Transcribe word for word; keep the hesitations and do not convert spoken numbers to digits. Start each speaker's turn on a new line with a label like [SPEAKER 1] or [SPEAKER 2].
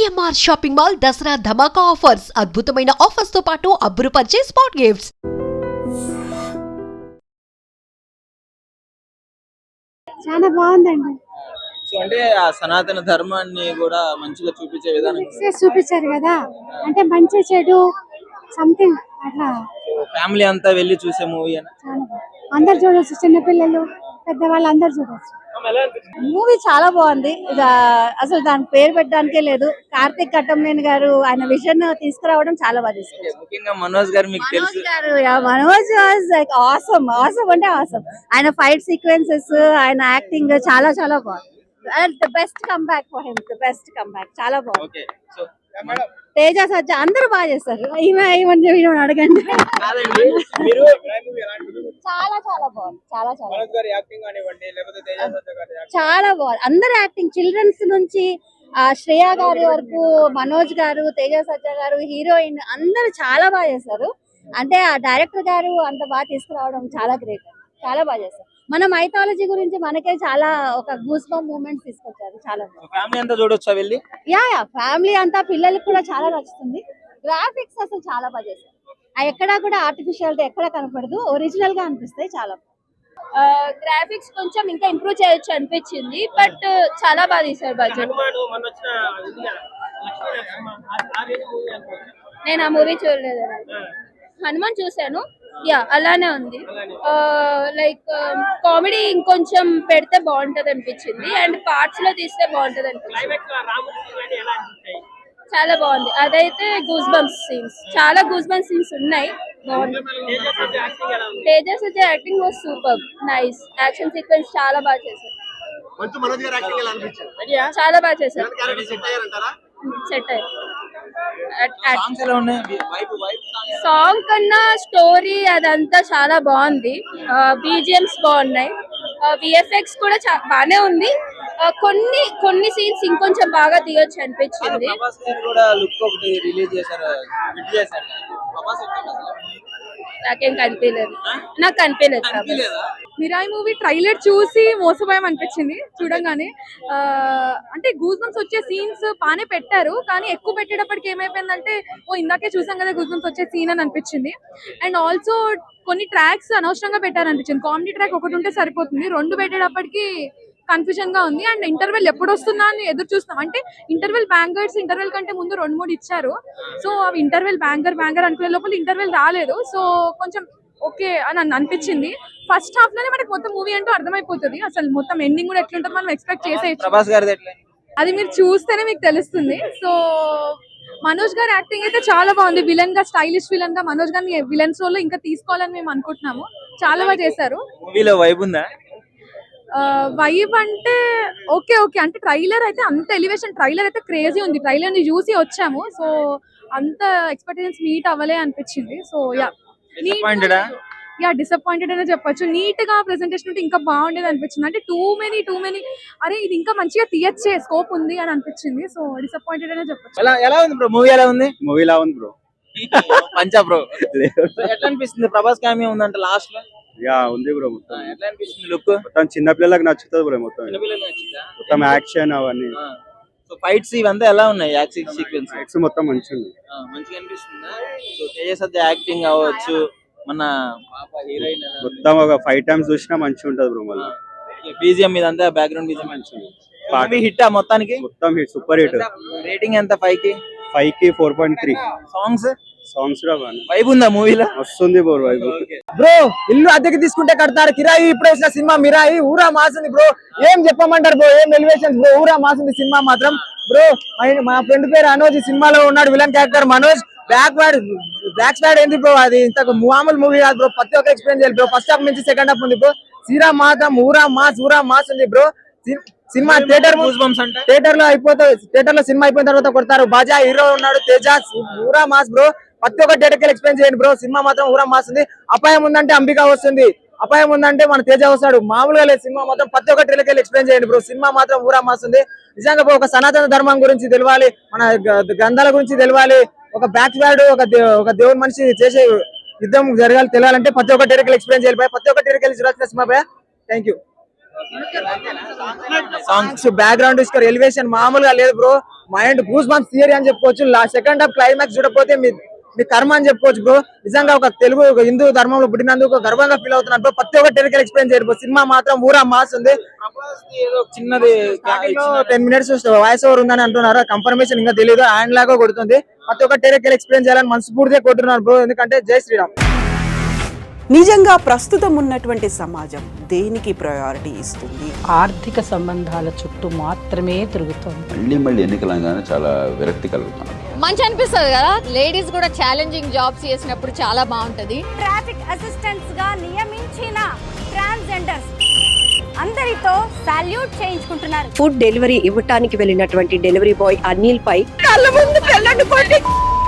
[SPEAKER 1] CMR shopping mall Dasara ధమాకా offers అద్భుతమైన offers తో పాటు అబ్బురుపరిచే స్పాట్ గిఫ్ట్స్.
[SPEAKER 2] చాలా బాగుందండి.
[SPEAKER 3] సో అంటే ఆ సనాతన ధర్మాన్ని కూడా మంచిగా చూపించే విధానం
[SPEAKER 2] Mixes చూపించారు కదా, అంటే మంచి చెడు సంథింగ్ అట్లా
[SPEAKER 3] ఫ్యామిలీ అంతా వెళ్ళి చూసే మూవీ అని
[SPEAKER 2] చాలా బాగుంది. అందరు చూడొచ్చు, చిన్నపిల్లలు పెద్దవాళ్ళు అందరు చూడొచ్చు.
[SPEAKER 4] మూవీ చాలా బాగుంది. ఇది అసలు దాని పేరు పెట్టడానికే లేదు. కార్తిక్ కట్టంనేని గారు ఆయన విజన్ తీసుకురావడం చాలా బాగా తీసుకొచ్చారు.
[SPEAKER 3] ముఖ్యంగా మనోజ్ గారు మీకు
[SPEAKER 4] మనోజ్
[SPEAKER 3] తెలుసు
[SPEAKER 4] గారు yeah, Manoj was like awesome awesome అంటే ఆసమ్. ఆయన ఫైట్ సీక్వెన్సెస్, ఆయన యాక్టింగ్ చాలా చాలా బాగుంది. The best comeback for him, the best comeback. చాలా బాగుంది.
[SPEAKER 3] ఓకే సో
[SPEAKER 4] తేజ సజ్జ అందరూ బాగా చేస్తారు. ఈమె ఈమె ఈమె అడగండి.
[SPEAKER 3] కాదండి మీరు
[SPEAKER 4] చాలా చాలా బాగుంది. చాలా చాలా
[SPEAKER 3] మనోజ్ గారి యాక్టింగ్ కానివ్వండి లేకపోతే తేజ సజ్జ గారి యాక్టింగ్
[SPEAKER 4] చాలా బాగుంది. అందరు యాక్టింగ్, చిల్డ్రన్స్ నుంచి ఆ శ్రేయ గారి వరకు, మనోజ్ గారు, తేజ సజ్జ గారు, హీరోయిన్ అందరూ చాలా బాగా చేశారు. అంటే ఆ డైరెక్టర్ గారు అంత బాగా తీసుకురావడం చాలా గ్రేట్, చాలా బాగా చేశారు. మన మైథాలజీ గురించి మనకే చాలా ఒక గూస్ బంప్ మూమెంట్స్ తీసుకొచ్చారు. చాలా బాగుంది.
[SPEAKER 3] ఫ్యామిలీ అంతా చూడొచ్చా వెళ్ళి?
[SPEAKER 4] యా యా ఫ్యామిలీ అంతా, పిల్లలకి కూడా చాలా నచ్చుతుంది. గ్రాఫిక్స్ అసలు చాలా బాగా చేశారు. ఆ ఎక్కడా కూడా ఆర్టిఫిషియాలిటీ ఎక్కడ కనపడదు, ఒరిజినల్ గా అనిపిస్తాయి. చాలా
[SPEAKER 5] గ్రాఫిక్స్ కొంచెం ఇంకా ఇంప్రూవ్ చేయొచ్చు అనిపించింది, బట్ చాలా బాగా తీసారు బడ్జెట్. నేను ఆ మూవీ చూడలేదు. హనుమాన్ చూసాను, యా అలానే ఉంది. లైక్ కామెడీ ఇంకొంచెం పెడితే బాగుంటది అనిపించింది, అండ్ పార్ట్స్ లో తీస్తే బాగుంటది అనిపించింది. చాలా బాగుంది. అదైతే గూస్ బంప్స్ సీన్స్, చాలా గూస్ బంప్స్ సీన్స్ ఉన్నాయి. బాగుంది. Teja Sajja acting was super, nice. Action sequence చాలా బాగా చేశారు. చాలా బాగా చేశారు. సెట్ అయ్యారు.
[SPEAKER 3] సాంగ్స్ ఎలా ఉన్నాయి? వైబ్ వైబ్ సాంగ్
[SPEAKER 5] సాంగ్ కన్నా స్టోరీ అదంతా చాలా బాగుంది. బీజిఎమ్స్ బాగున్నాయి, విఎఫ్ఎక్స్ కూడా బానే ఉంది. కొన్ని కొన్ని సీన్స్ ఇంకొంచెం బాగా తీయొచ్చు అనిపించింది.
[SPEAKER 3] ప్రభాస్ గారు కూడా లుక్ ఒకటి రిలీజ్ చేశారు, హిట్ చేశారు. ప్రభాస్ వచ్చాడు అసలు.
[SPEAKER 5] నాకేం కనిపించలేదు, నాకు కనిపించలేదు.
[SPEAKER 3] కనిపించలేదా?
[SPEAKER 6] మిరాయి మూవీ ట్రైలర్ చూసి మోసపోయాం అనిపించింది చూడంగానే. ఆ, అంటే గూస్ బంప్స్ వచ్చే సీన్స్ బాగానే పెట్టారు, కానీ ఎక్కువ పెట్టేటప్పటికి ఏమైపోయిందంటే ఓ ఇందాకే చూసాం కదా గూస్ బంప్స్ వచ్చే సీన్ అని అనిపించింది. అండ్ ఆల్సో కొన్ని ట్రాక్స్ అనవసరంగా పెట్టారు అనిపించింది. కామెడీ ట్రాక్ ఒకటి ఉంటే సరిపోతుంది, రెండు పెట్టేటప్పటికి కన్ఫ్యూజన్ గా ఉంది. అండ్ ఇంటర్వెల్ ఎప్పుడు వస్తుందా అని ఎదురు చూస్తున్నాం. అంటే ఇంటర్వెల్ బ్యాంగర్స్ ఇంటర్వెల్ కంటే ముందు రెండు మూడు ఇచ్చారు. సో అవి ఇంటర్వెల్ బ్యాంగర్ బ్యాంగర్ అనుకునే లోపల ఇంటర్వెల్ రాలేదు. సో కొంచెం ఓకే అని అనిపించింది. ఫస్ట్ హాఫ్ లోనే మనకి మొత్తం మూవీ అంటూ అర్థమైపోతుంది. అసలు మొత్తం ఎండింగ్ కూడా ఎట్లుంటుంది మనం ఎక్స్పెక్ట్ చేసేయచ్చు.
[SPEAKER 3] ప్రభాస్ గారిది ఎట్లా?
[SPEAKER 6] అది మీరు చూస్తేనే మీకు తెలుస్తుంది. సో మనోజ్ గారి యాక్టింగ్ అయితే చాలా బాగుంది. విలన్ గా, స్టైలిష్ విలన్ గా మనోజ్ గారిని విలన్స్ రోల్ లో ఇంకా తీసుకోవాలని మేము అనుకుంటున్నాము. చాలా బాగా చేశారు.
[SPEAKER 3] మూవీలో వైబ్ ఉందా?
[SPEAKER 6] వైబ్ అంటే ఓకే ఓకే అంటే ట్రైలర్ అయితే అంత ఎలివేషన్, ట్రైలర్ అయితే క్రేజీ ఉంది. ట్రైలర్ ని చూసి వచ్చాము, సో అంత ఎక్స్పెక్టేషన్స్ మీట్ అవ్వలే అనిపించింది. సో యా
[SPEAKER 3] డిసప్పాయింటెడా?
[SPEAKER 6] యా డిసప్పాయింటెడ్ అనే చెప్పొచ్చు. నీట్ గా ప్రెజెంటేషన్ ఉంటే ఇంకా బాగుండేది అనిపించింది. అంటే టూ మెనీ టూ మెనీ అరే ఇది ఇంకా మంచిగా తీయచ్చే, స్కోప్ ఉంది అని అనిపించింది. సో డిసప్పాయింటెడ్ అనే చెప్పొచ్చు.
[SPEAKER 3] ఎలా ఎలా ఉంది బ్రో? మూవీ ఎలా ఉంది?
[SPEAKER 7] మూవీ లా ఉంది బ్రో.
[SPEAKER 3] పంచా బ్రో. ఎట్లా అనిపిస్తుంది? ప్రభాస్ కామె ఉందంట లాస్ట్ లో.
[SPEAKER 7] యా ఉంది బ్రో. మొత్తం
[SPEAKER 3] ఎట్లా అనిపిస్తుంది లుక్?
[SPEAKER 7] మొత్తం చిన్న పిల్లలకు నచ్చుతుంది బ్రో. మొత్తం
[SPEAKER 3] చిన్నపిల్లలు నచ్చిందా?
[SPEAKER 7] మొత్తం యాక్షన్ అవన్నీ.
[SPEAKER 3] సో ఫైట్స్ ఇవంతా ఎలా ఉన్నాయి? యాక్షన్ సీక్వెన్స్
[SPEAKER 7] యాక్షన్ మొత్తం మంచిగా ఉంది.
[SPEAKER 3] మంచిగా అనిపిస్తుందా? సో తేజ సజ్జ యాక్టింగ్ అవ్వచ్చు, మన పాప హీరోయిన్
[SPEAKER 7] మొత్తం ఒక ఫైవ్ టైమ్స్ చూసినా మంచిగా ఉంటది బ్రో. మళ్ళీ
[SPEAKER 3] బీజిఎం ఇదంతా బ్యాక్గ్రౌండ్ బీజిఎం మంచిగా పార్టీ హిట్ ఆ మొత్తానికి.
[SPEAKER 7] మొత్తం హిట్, సూపర్ హిట్.
[SPEAKER 3] రేటింగ్ ఎంత? ఫైవ్ కి
[SPEAKER 7] ఫైవ్ కి four point three.
[SPEAKER 3] Songs
[SPEAKER 7] songs
[SPEAKER 3] vibe ఉందా మూవీలో?
[SPEAKER 7] వస్తుంది బ్రో వైబ్.
[SPEAKER 8] బ్రో ఇల్లు అద్దెకి తీసుకుంటే కడతారు, కిరాయి ఇప్పుడు వేసిన సినిమా మిరాయి ఊరా మాసింది బ్రో. ఏం చెప్పమంటారు బ్రో, ఏం ఎలివేషన్స్ బ్రో, ఊరా మాసింది సినిమా మాత్రం బ్రో. మా ఫ్రెండ్ పేరు అనోజ్, సినిమాలో ఉన్నాడు villain character Manoj. Back bad back స్వాడ్ ఏంది బ్రో, అది ఇంత మామూలు మూవీ కాదు బ్రో. ప్రతి ఒక్క ఎక్స్ప్లెయిన్ చేయాలి బ్రో. ఫస్ట్ హాఫ్ నుంచి సెకండ్ హాఫ్ ఉంది బ్రో. సీరా మాత్రం ఊరా మాస్ ఊరా మాస్ ఉంది బ్రో. సినిమా థియేటర్ థియేటర్ లో అయిపోతుంది. థియేటర్ లో సినిమా అయిపోయిన తర్వాత కొడతారు. బాజా హీరో ఉన్నాడు, తేజ ఊరా మాస్ బ్రో. ప్రతి ఒక్క థియేటర్ ఎక్స్ప్లెయిన్ చేయండి బ్రో. సినిమా మాత్రం ఊరా మాస్ ఉంది. అపాయం ఉందంటే అంబిక వస్తుంది, అపాయం ఉందంటే మన తేజ వస్తాడు. మామూలుగా లేదు సినిమా మొత్తం. ప్రతి ఒక్క థియేటర్ ఎక్స్ప్లెయిన్ చేయండి బ్రో. సినిమా మాత్రం ఊరా మాస్ ఉంది. నిజంగా ఒక సనాతన ధర్మం గురించి తెలియాలి, మన గ్రంథాల గురించి తెలియాలి, ఒక బ్యాక్ వార్డ్ ఒక ఒక దేవుని మనిషి చేసే యుద్ధం జరగాలి తెలియాలంటే ప్రతి ఒక్క థియేటర్ ఎక్స్ప్లెయిన్ చేయాలి. ప్రతి ఒక్క థియేటర్ చూడాల్సిన సినిమా. Thank you. Songs background score elevation మామూలుగా లేదు bro. Mind goosebumps theory అని చెప్పుకోవచ్చు. లాస్ట్ సెకండ్ హాఫ్ క్లైమాక్స్ చూడకపోతే మీ మీ కర్మ అని చెప్పుకోవచ్చు బ్రో. నిజంగా ఒక తెలుగు ఒక హిందూ ధర్మంలో పుట్టినందుకు గర్వంగా ఫీల్ అవుతున్నారు బ్రో. ప్రతి ఒక్క టెరికల్ ఎక్స్ప్లెయిన్ చేయరు బ్రో. సినిమా మాత్రం ఊరా మాస్ ఉంది.
[SPEAKER 3] ప్రభాస్ ది ఏదో చిన్నది
[SPEAKER 8] టెన్ మినిట్స్ వాయిస్ ఓవర్ ఉందని అంటున్నారు. కన్ఫర్మేషన్ ఇంకా తెలియదు. హ్యాండ్ లాగా కొడుతుంది. ప్రతి ఒక్క టెరికల్ ఎక్స్ప్లెయిన్ చేయాలని మనస్ఫూర్తిగా కొట్టున్నారు బ్రో. ఎందుకంటే జై శ్రీరామ్.
[SPEAKER 9] నిజంగా ప్రస్తుతం ఉన్నటువంటి సమాజం దేనికి ప్రయారిటీ ఇస్తుంది?
[SPEAKER 10] ఆర్థిక సంబంధాల చుట్టూ మాత్రమే తిరుగుతోంది.
[SPEAKER 11] మళ్ళీ మళ్ళీ ఎన్నికలంగానే చాలా విరక్తి కలుగుతున్నాం.
[SPEAKER 4] మంచి అనిపిస్తుంది కదా, లేడీస్ కూడా ఛాలెంజింగ్ జాబ్స్ చేసినప్పుడు చాలా బాగుంటది. ట్రాఫిక్ అసిస్టెంట్స్ గా నియమించిన ట్రాన్స్జెండర్స్ అందరితో సాల్యూట్ చేయించుకుంటున్నారు.
[SPEAKER 10] ఫుడ్ డెలివరీ ఇవ్వటానికి వెళ్ళినటువంటి డెలివరీ బాయ్ అనిల్ పై
[SPEAKER 9] కళ్ళ ముందు పెళ్ళండి